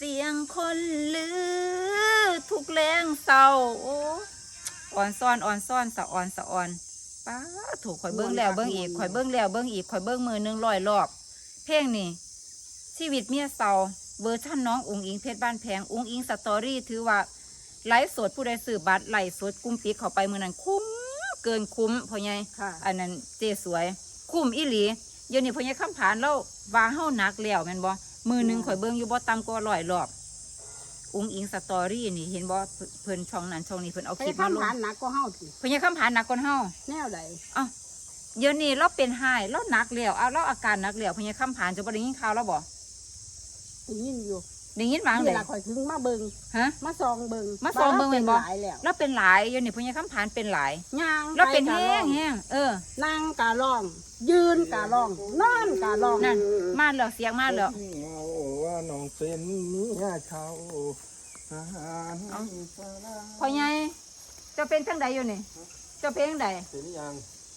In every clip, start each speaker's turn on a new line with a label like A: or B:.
A: สียงคนลือทุกแรงเศร้าโอ้อ่อนซ่อนสะอ่อนป้าถูกข่อยเบิ้งแล้วเบิ้งอีกข่อยเบิ้งแล้วเบิ้งอีกข่อยเบิ้งมือ100 รอบเพลงนี่ชีวิตเมียเศร้าเวอร์ชั่นน้องอุ๋งอิงเพชรบ้านแพงอุ๋งอิงสตอรี่ถือว่าไลฟ์สดผู้ใดซื้อบัตรไลฟ์สดกุ้มปิกเข้าไปมือนั้นคุ้มเกินคุ้มพ่อใหญ่อันนั้นเจสวยคุ้มอีหลีเดี๋ยวนี้พ่อใหญ่คำผานแล้วว่าเฮาหนักแล้วแม่นบ่มือหนึ่งข่อยเบิ้งอยู่บ่ต่ำกว่า100 รอบอุ้งอิงสตอรี่นี่เห็นบ่เพิ่นช่องนั้นช่องนี้เพิ่นเอาคลิปมาลง
B: ผ่านหนักก็เฮาสิ
A: เพิ่นยังคำผานหนักกว่าเฮา
B: แนวใด
A: อ้าวเดี๋ยวนี้เราเป็นไห้เราหนักแล้วเอาเราอาการหนักแล้วเพิ่นยังคำผานจะบ่ได้ยินข่าวแล้วบ่
B: ได้ยินอยู่
A: ได้ยินบ้าง
B: ที่
A: เลย
B: ละข่อยถึงมาเบิ่ง
A: ฮะ
B: มาซองเบิ่ง
A: มาส่องเบิ่งแม่นบ่
B: หลายแล้ว
A: เราเป็นหลายเดี๋ยวนี้เพิ่นยังคำผานเป็นหลาย
B: ย่าง
A: เราเป็น
B: ไกะ
A: แห้
B: ร้อง นั่งกะร้อง ยืนกะร้องนอนกะร้อง
A: นั่นมาแล้วเสียงมาแล้ว
C: เมาว่าน้องเป็นเมียเขาทหาร
A: พ่อใหญ่เจ้าเป็นจังใดอยู่นี่เจ้าเป็นจังใด
C: เป็นยัง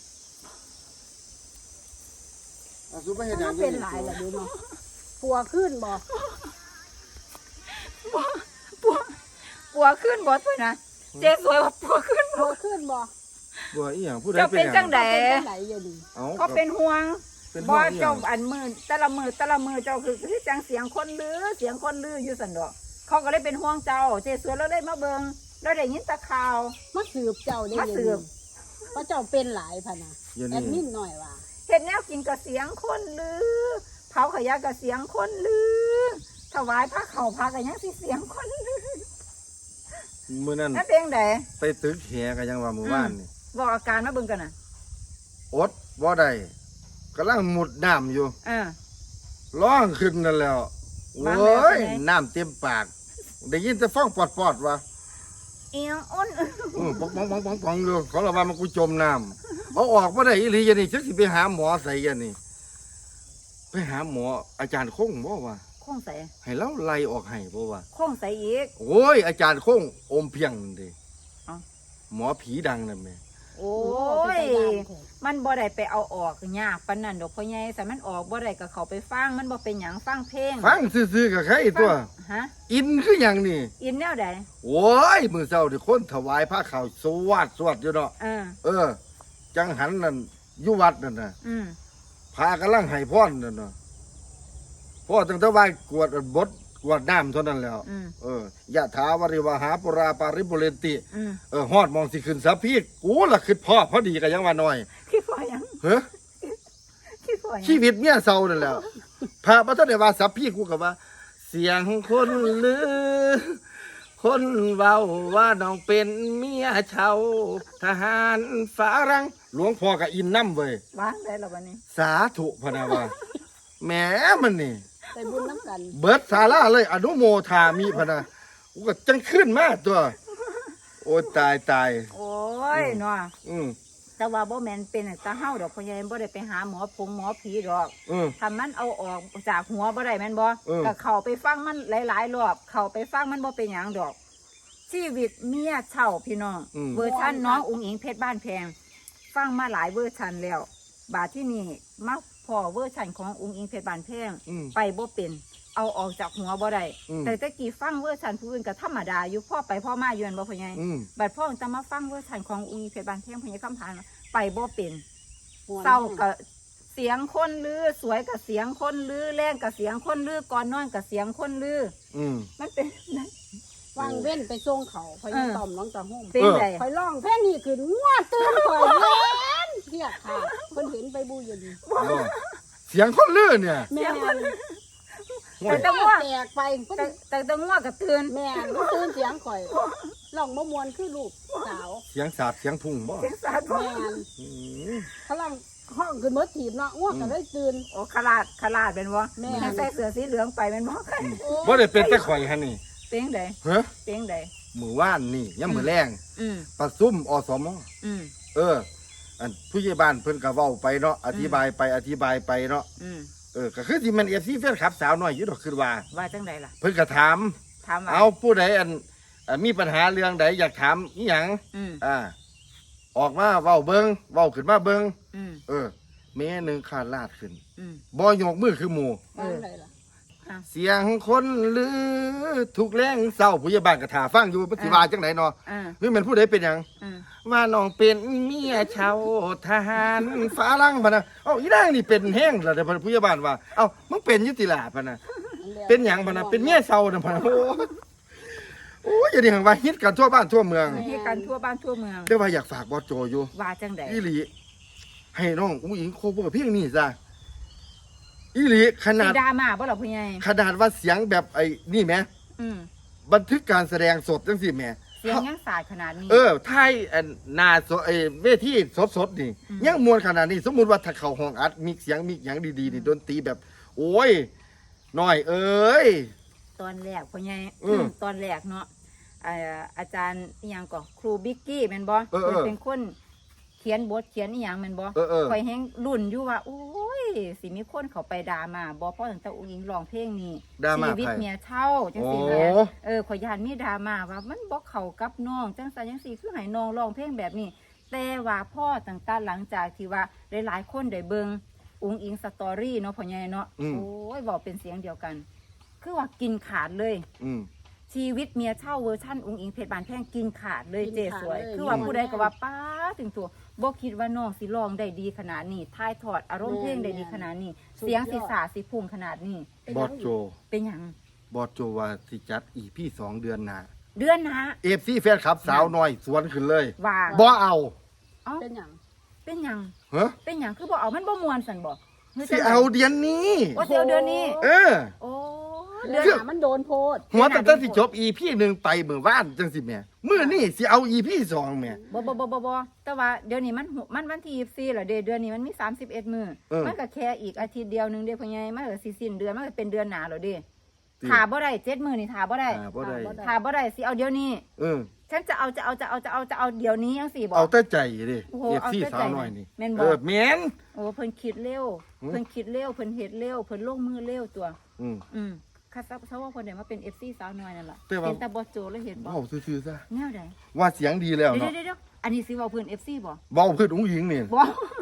C: อาสุไปเห็นยั
B: มาง เป็นหลายแล้วดูเนาะปัวขึ้นบ่
A: ปัวขึ้นบ่เพิ่นนะเจ๊สวยว่าปัวขึ้น
B: ปัวขึ้นบ่
C: บัวอีหยังผู้ใด
A: เจ้าเป็นจังใด
B: เป็นจังไดอยู่ดี
C: เอา
A: ก็เป็นห่วง
C: เป็น
A: บ่
C: บ่อีหยั
A: เจ้าง อันมือแต่ละมือเจ้าคือจังเสียงคนลือเสียงคนลืออยู่สันดอกเขาก็เลยเป็นห่วงเจ้าเจสวยแล้วเลยมาเบิงแล้วได้ยินแตะข่าว
B: มาสืบเจ้าได้
A: มาสืบ
B: เพราะเจ้าเป็นหลายพะนะ
C: เดี๋ยว
B: แอ
C: นี้
B: ดมินหน่อยว่า
A: เห็ดแนวกินกับเสียงคนลือเผาขยะกับเสียงคนลือถวายพระเข่าพระกับยังสิเสียงคนลือ
C: มื้อนั้น
A: นั่นเป็นได
C: ไปตึกแหกันยังว่ามื้อวานนี่
A: บอกอาการมาเบิ่งกันน่ะ
C: อดบ่ได้กำลังมุดน้ำอยู่
A: เออ
C: ร้องขึ้นนั่นแล้วโอ้
A: วางแล้ว
C: ย
A: เป็นไง
C: น้ำเต็มปากได้ยินแต่ฟ้องปอดๆว่า
A: เอียงอ้น
C: ปองอยู่เขาละว่ามันกูจมน้ำเอาออกบ่ได้อีหลีอย่างนี้จักสิไปหาหมอใส่กันนี่ไปหาหมออาจารย์คงบ่ว่า
A: คงใส่
C: ให้เราไล่ออกให้บ่ว่า
A: คงใส่อีก
C: โอ้ยอาจารย์คงอมเพียงนั่นเดิ
A: เอ้า
C: หมอผีดังนั่นแม่
A: โอ้ยมันบ่ได้ไปเอาออกยากปานนั้นดอกพ่อใหญ่แต่มันออกบ่ได้ก็เข้าไปฟังมันบ่เป็นหยังฟังเพลง
C: ฟังซื่อๆกับใครตัว
A: ฮะ
C: อินคือหยังนี่
A: อินแนวใด
C: โอ้ยมื้อเช้าที่คนถวายผ้าขาวสวดอยู่เนาะ
A: เออ
C: จังหันนั่นอยู่วัดนั่นน่ะ
A: อืม
C: พากำลังให้พรนั่นน่ะพ่อตั้งแต่ว่ากวดบทกวดน้ำเท่านั้นแล้ว
A: อืม
C: ยะถาวริวหาปุราปาริปุเรนติ
A: อืม
C: ฮอดมองสิขึ้นสะพีกูล่ะคิดพ่อพอดีกันยังว่าน้อย
A: คิดว่าหยัง
C: เฮ้อ
A: คิดว่าหยัง
C: ชีวิตเมียเศร้านั่นแหล้วพระพระเจ้าได้ว่าสัพพีกูกับว่า เสียงคนลือ คนเว้าว่าน้องเป็นเมียเช่าทหารฝารัง หลวงพ่อกับอินน้ำเว้ยว
A: างได้แล้ววันนี้
C: สาธุพะนะว่าแหมมันนี่
B: ไปบุญน้ำกัน
C: เบิดสาราเลย อนุโมทามิพะนะกูก็จังขึ้นมาตัว โอ้ยตาย
A: โอ้ยเนาะ
C: อืม
A: แต่ว่าบ่แม่นเป็นตาเฮาดอกพ่อใหญ่บ่ได้ไปหาหมอหมอผีดอก
C: อืม
A: ถ้ามันเอาออกจากหัวบ่ได้แม่นบ่
C: เออ
A: ก็เข้าไปฟังมันหลายๆรอบเข้าไปฟังมันบ่เป็นหยังดอก ชีวิตเมียเช่าพี่น้อง เวอร์ชันน้องอุ๋งอิงเพชรบ้านแพง ฟังมาหลายเวอร์ชันแล้ว บาดที่นี่มาพอเวอร์ชันของอุ๋งอิงเพชรบ้านแพง
C: อืม
A: ไปบ่เป็น เอาออกจากหัวบ่ได้
C: อืม
A: แต่ตะกี้ฟังเวอร์ชันผู้อื่นก็ธรรมดาอยู่พ่อไปพ่อมาอยู่นั่นบ่พ่อใหญ่
C: อืม
A: บัดพ่อจะมาฟังเวอร์ชันของอุ๋งอิงเพชรบ้านแพงพ่อใหญ่คำพานว่าไปบ่เป็น
B: ม่วน
A: เศร้ากับเสียงคนลือสวยกับเสียงคนลือแรงกับเสียงคนลือก่อนนอนกับเสียงคนลือ
C: อืม
A: มันเป็นนั่น
B: วางเว้นไปส่งเขาพอยต่อมน้องตาหุ่ม
A: เป็นไง
B: คอยร้องเพลงนี้ขึ้นงวดตื่นคอยเล่นเทียบค่ะเพิ่นเห็นไปบูอยู่ดี
C: บ่เสียงคนลือเนี่ย
B: แม่น
A: แต่ตะง่ว
B: แตกไปเพิ่น
A: แต่ตะง่วกับตื่น
B: แม่นตื่นเสียงข่อยร้องบ่มวนคือลูกสาว
C: เสียงสาดเสียงพุ่งบ่
A: เสียงสาดบ่
B: แม่น
C: อืม
B: พลังห้องขึ้นมดถีบเนาะง่วงก็ได้ตื่น
A: โอ้ขลาดเป็นวะ
B: แม่
A: ใส่เสื้อสีเหลืองไปเป็นวะ
C: บ่ได้เป็นแต่ข่อยหั่นนี่
A: เป้งใด
C: เฮ้อ
A: เป้งใด
C: มื้อวานนี่ยามมื้อแรง
A: อืม
C: ประชุมอสม
A: อืม
C: อันผู้ใหญ่บ้านเพิ่นก็เว้าไปเนาะอธิบายไปเนาะ
A: อืม
C: ก็คือสิแม่น FC แฟนคลับสาวน้อยอยู่ดอกคือว่า
A: ว่าจังใดล่ะ
C: เพิ่นก็ถาม
A: ถามว่า
C: เอาผู้ใดมีปัญหาเรื่องใดอยากถามอีหยัง
A: อืม
C: ออกมาเว้าเบิ่งเว้าขึ้นมาเบิ่ง
A: อืม
C: แม่หนึงขาดลาดขึ้น
A: อืม
C: บ่ยกมือคือหมู่
B: วางไรล่ะ
A: อ่ะ
C: เสียงคนลือทุกแรงเศร้าผู้ใหญ่บ้านก็ท่าฟังอยู่ปฏิวาจังไหนเนาะ
A: อ่า
C: นี่มันผู้ใดเป็นหยัง
A: อ่า
C: ว่าน้องเป็นเมียชาวทหารฝรั่งพะนะเอ้าอีนางนี่เป็นแห้งแล้วเดี๋ยวผู้ใหญ่บ้านว่าเอ้ามึงเป็นอยุติลาพะนะเป็นหยังพะนะเป็นเมียเศร้านะพะนะโอ้ยอย่าดิหังว่าฮิตกันทั่วบ้านทั่วเมือง
A: ให้กันทั่วบ้านทั่วเมือง
C: แต่ว่าอยากฝากบอสโจอยู่
A: ว่าจังได
C: อีหลีให้น้องอุ้งอิงโคเวอร์เพลงนี้ซะอีหลีขนา
A: สี
C: ด
A: ดราม่าบ่ล่ะพ่อใหญ่
C: ขนาดว่าเสียงแบบไอ้นี่แหม
A: อืม
C: บันทึกการแสดงสดจังสิแหม
A: เสียงยังสาดขนาดนี้
C: ไทยอันหนาสดเวทีสดนี่
A: อืม
C: ยังมวนขนาดนี้ สมมุติว่าถ้าเข้าห้องอัดมีเสียงมีหยังดีๆนี่ดนตรีแบบ โอ้ยน้อยเอ้ย
A: ตอนแรกพ่อใหญ่
C: อืม
A: ตอนแรกเนาะอาจารย์อิหยังก็ครูบิ๊กกี้แม่นบ่
C: เออ
A: เพิ่นเป็นคนเขียนบทเขียนอีหยังแม่นบ่
C: เออ
A: คอยแฮงรุ่นอยู่ว่าโอ้ยสิมีคนเขาไปด่ามาบ่เพราะตั้งแต่อุ้งอิงร้องเพลงนี้
C: ดราม่า
A: ชีวิต
C: ใคร
A: เมียเช่าจัง
C: โอ้
A: ซี่แหม่ขอยย่านมีดราม่าว่ามันบ่เข้ากับน้องจังซั่นจังซี่คือให้น้องร้องเพลงแบบนี้ แต่ว่าพ่อตั้งแต่หลังจากที่ว่าหลายๆคนได้เบิ่งอุ้งอิงสตอรี่เนาะพ่อใหญ่เนาะ
C: อืม
A: โอ้ยบอกเป็นเสียงเดียวกัน คือว่ากินขาดเลย
C: อืม
A: ชีวิตเมียเช่าเวอร์ชั่นอุ้งอิงเพชรบานแพงกินขาดเลย
B: กิน
A: เจ
B: ขาด
A: สวย
B: เลย
A: คือว่า
B: อืม
A: ผู้ใดก็ว่าป้าถึงตัวบ่คิดว่าน้องสิร้องได้ดีขนาดนี้ถ่ายทอดอารมณ์เพลงได้ดีขนาดนี้
B: สุดยอด
A: เสียงสิสาสิพุ่งขนาดนี้
C: บอสโจ
A: เป็นหยัง
C: บอสโจว่าสิจัดอีพี่2 เดือนหน้า
A: เดือนนะ
C: FC แฟนคลับสาวน้อยสวนขึ้นเลย
A: ว่า
C: บ่เอา
A: เอ้า
B: เป็นหยัง
A: เป็นหยัง
C: ฮะ
A: เป็นหยังคือบ่เอามันบ่ม่วนซั่นบ่หรื
C: สิเอาเดือนนี้
A: ว่าสิเอาเดือนนี้
C: เออ
A: โอ้
B: เดื
A: เดื
B: อ
A: อน น
B: หามันโดนโพด
C: หัวตั้งแต่สิจบ EP 1ไปเมื่อวานจังสิแหม่มื้อนี้สิเอา EP 2แหม่
A: บ่แต่ว่าเดี๋ยวนี้มันวันที่24แล้วเด้เดือนนี้มันมี31มื้อ
C: เออ
A: มันก็แค่อีกอาทิตย์เดียวนึงเด้พ่อใหญ่มันก็สิสิ้นเดือนมันก็เป็นเดือนหน้าแล้วเด้
C: ติ
A: ถาบ่ได้7มื้อนี่ถาบ่ได้
C: บ่ได้
A: ถาบ่ได้สิเอาเดี๋ยวนี้
C: เออ
A: ฉันจะเอาเดี๋ยวนี้จังซี่บ่
C: เอาแต่ใจดิ
A: โอ้โห
C: FC
A: เอาแต่ใจ
C: สาวน้อยนี่
A: แม่นบ่
C: เออแม่น
A: โอ้เพิ่นคิดเร็ว
C: อืม
A: เพิ่นคิดเร็วเพิ่นเฮ็ดเร็วเพิ่นลงมือเร็วตัว
C: อืม
A: คัดซะว่าเพิ่นได้มาเป็น FC สาวน้อยนั่นล่ะ
C: แต่ว่า
A: เห็นแต่บ่โจแล้วเห็นบ่
C: เว้าซื่อๆซะ
A: แนวใด
C: ว่าเสียงดีแล้ว
A: เดี๋
C: เนาะ
A: ยวอันนี้สิเว้าเพิ่น FC บ่
C: เว้าขึ้นอุ้งหญิงนี่
A: บ่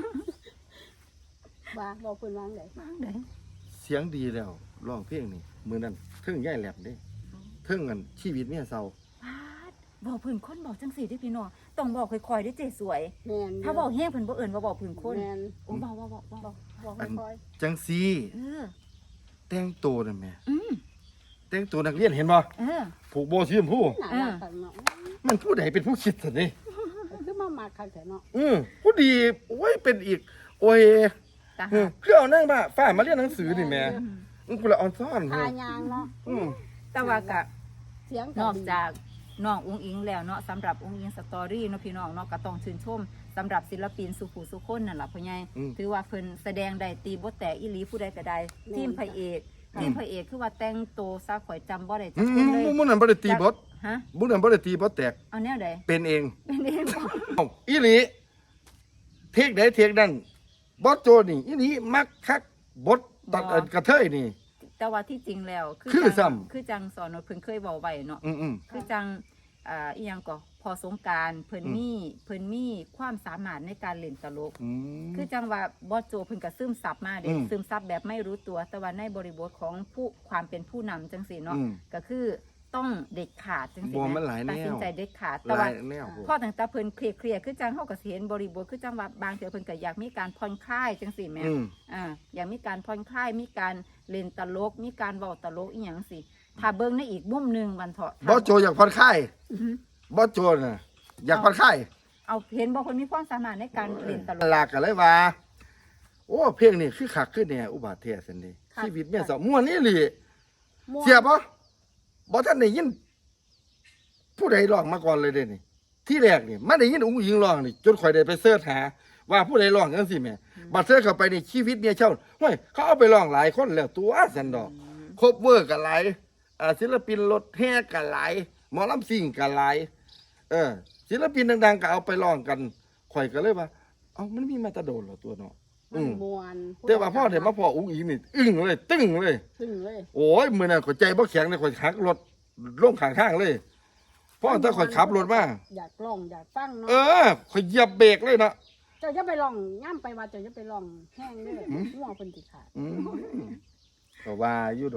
B: ว่าบอกเพิ่นวางได
A: วางได
C: เสียงดีแล้วร้องเพลงนี่มื้อนั้นเทิงย่ายแหลมเด้เทิงอันชีวิตเมียเศร้า
A: ปาดบอกเพิ่นคนบอกจังซี่เด้อพี่น้องต้องบอกค่อยๆเด้อเจ๊สวย
B: แม่น
A: ถ้าบอกแห้งเพิ่นบ่เอิ้นว่าบอกเพิ่นคน
B: แม่น
A: โอ้เบา
B: บอกค่อย
C: จังซี่
A: เออ
C: แต่งตัวนั่นแหม่
A: อืม
C: แต่งตัวนักเรียนเห็นบ่
A: เออ
C: ผูกโบสีชมพู
B: ๆหน้ารักกันเนาะ
C: มันผู้ใดเป็นผู้คิดสินี่
B: คือมามาคักแต่เนาะ
C: ผู้ดีโอ้ยเป็นอีก โอ้ย
A: ตา
C: เอ
A: หั
C: อก คือเอานั่งบ่าฝ้ามาเรียนหนังสือนี่แหม่
A: อืม
C: กูละออนซ่อน
B: ทายางเนาะ
C: อืม
A: แต่ว่าก็
B: เสียง
A: นอกจากน้องอุ้งอิงแล้วเนาะสำหรับอุ้งอิงสตอรี่เนาะพี่น้องเนาะก็ต้องชื่นชมสำหรับศิลปินสุขุสุคนนั่นล่ะพ่อใหญ่ถือว่าเพิ่นแสดงได้ตีบ่แตกอีหลีผู้ใดก็ได้ทีมพระเอกคือว่าแต่งโตวซะข่อยจำบ่ได้จักคนเลย
C: มุ่นนั้นบ่ได้ตีบท
A: ฮะ
C: มุ่นนั้นบ่ได้ตีบทแตก
A: เอาแนวใด
C: เป็นเอง
A: เป็นเองบ่
C: เอ้าอีหลีเทคใดเทคนั้นบอสโจนี่อีหลีมักคักบทตัดกระเทยนี่
A: แต่ว่าที่จริงแล้ว
C: คือ
A: จั
C: ซ้ำ
A: งคือจังสอนว่าเพิ่นเคยเว้าไว้เนาะ
C: อืม
A: คือจังอีหยังก็พอสงกรารเพิ่นมีความสามารถในการเล่นตลก
C: อืม
A: คือจังว่าบอสโจเพิ่นก็ซึมซับมาเด้
C: อืม
A: ซึมซับแบบไม่รู้ตัว แต่ว่าในบริบทของผู้ความเป็นผู้นำจังซี่เนาะ
C: อืม
A: ก็คือต้องเด็ดขาดจังซี่
C: บ่มันหลายแนว
A: ตัดสินใจเด็ดขาด
C: ห
A: แต่
C: ลา
A: ว่าย
C: แนว
A: พ่อตั้งแต่เพิ่นเคลียร์คือจังเฮาก็สิเห็นบริบทคือจังว่าบางเทื่อเพิ่นก็อยากมีการผ่อนคลายจังซี่แหม
C: อืม
A: อยากมีการผ่อนคลายมีการเล่นตลก มีการเว้าตลกอีหยังสิถ้าเบิ่งในอีกมุมหนึงวันเถาะ
C: บอสโจอยากผ่อนคลาย
A: อือฮึ
C: บอสโจน่ะอยากผ่อนคลาย
A: เอาเห็นบ่คนมีความสามารถในการเล่นตลก
C: ลากกันเลยว่า โอ้เพลงนี่คือคักคือแน่อุบาทแท้ซั่นเด้ชีวิตเมียเศร้าม่วนนี่หลี
B: ม่วน
C: เสียบ่บ่ทันได้ยินผู้ใดร้องมาก่อนเลยเด้นี่ ที่แรกนี่มันได้ยินอุ้งอิงร้องนี่จนข่อยได้ไปเสิร์ชหา ว่าผู้ใดร้องจังซี่แหม่บัดเสิร์ชเข้าไปในชีวิตเมียเช่าห้วยเขาเอาไปร้องหลายคนแล้วตัวซั่นดอกครบเวอร์ก็หลายศิลปินรถแห่ก็หลายหมอลำซิ่งก็หลายศิลปินดังๆก็เอาไปร้องกันข่อยก็เลยว่า เอ้ามันมีมาแตะโดนเหรอตัวเนาะ
B: มันม่วน
C: แต่ว่าพ่อเดี๋ยวมาพ่ออุ้งอิงนี่อึ้งเลยตึ้งเลย
B: ตึงเลย
C: โอ้ยมือนั้นข่อยใจบ่แข็งเลยข่อยหักรถลงข้างทางเลยพ่อถ้าข่อยขับรถมา
B: อยากร้องอยากฟังเนาะ
C: ข่อยเหยียบเบรกเลยเนาะ
B: เจ้าจะไปร้องย่ำไปว่าเจ้าจะไปร้องแห้งเด้อง่วงเพิ่นสิขาด
C: ก็ว่าอยู่ดอก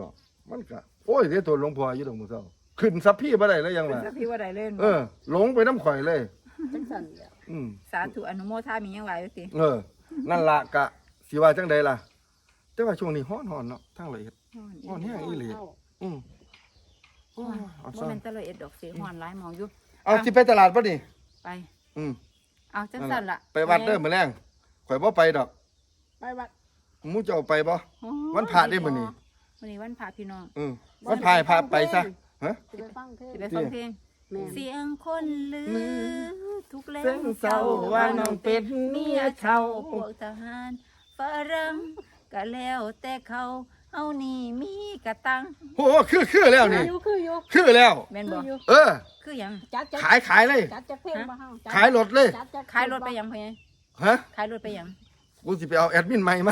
C: มันก็โอ้ยเดี๋ยวตัวหลวงพ่ออยู่ตรงมือเศร้าขึ้นสัพพี่บ่ได้แล้วยัง
A: เป็น
C: ล่ะ
A: สัพพี่ว่าใดเล่น
C: หลงไปน้ำข่อยเลย
B: จังซั่นแหล้ว
A: สาธุอนุโมทามียังไหวอยู่สิ
C: นั่นละกะสิว่าจังใดล่ะ แต่ว่าช่วงนี้ฮ้อนๆเนาะทั้งละเอียดฮ้อนแห้งอีหลีอืมโอ้ยเอา
A: บ่
C: ซ่อ
A: แม่
C: น
A: นตะเลยเอ็ดดอกสีฮ้อนหลายหมองอยู่
C: เอาสิไปตลาดป่ะนี่
A: ไป
C: อืม
A: เอาจังสั่นล่ะ
C: ไปวัดเด้อมื้อแรงข่อยบ่ไปดอก
B: ไปวัด
C: หมู่เจ้าไปบ่
A: โอ้ย
C: วันพระได้มื้อนี้
A: มื้อนี้วันพระพี่น้อง
C: วันพายพาไปซะฮะ
B: สิไปฟังเทศ
A: สิไปฟังเพลง
B: แม่น
A: เสียงคนลือทุกแล้
C: เส้นเศร้าว่าน้องเป็นเมียเช่า
A: พวกทหารฝรั่งก็แล้วแต่เขาเฮานี่มีกระตัง
C: โอ้คือแล้วนี่
B: คืออยู่
C: คือแล้ว
A: แม่นบ่
B: คืออยู่
C: เออ
A: คือหยัง
B: จัด
C: ขายเลย
B: จัดจักเพลงมาเฮาจัด
C: ขายรถเลย
B: จัดจัก
A: ขายรถไปหยังพ่อใหญ่
C: ฮะ
A: ขายรถไปหยัง
C: กูสิไปเอาแอดมินใหม่มา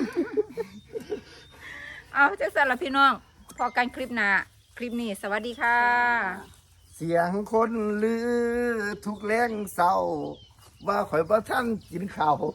A: เอาจังสั่นล่ะพี่น้องพอกันคลิปหน้าคลิปนี้สวัสดีค่ะ
C: เสียงคนลือทุกแรงเศร้า ว่าข่อยบ่ทันกินข้าว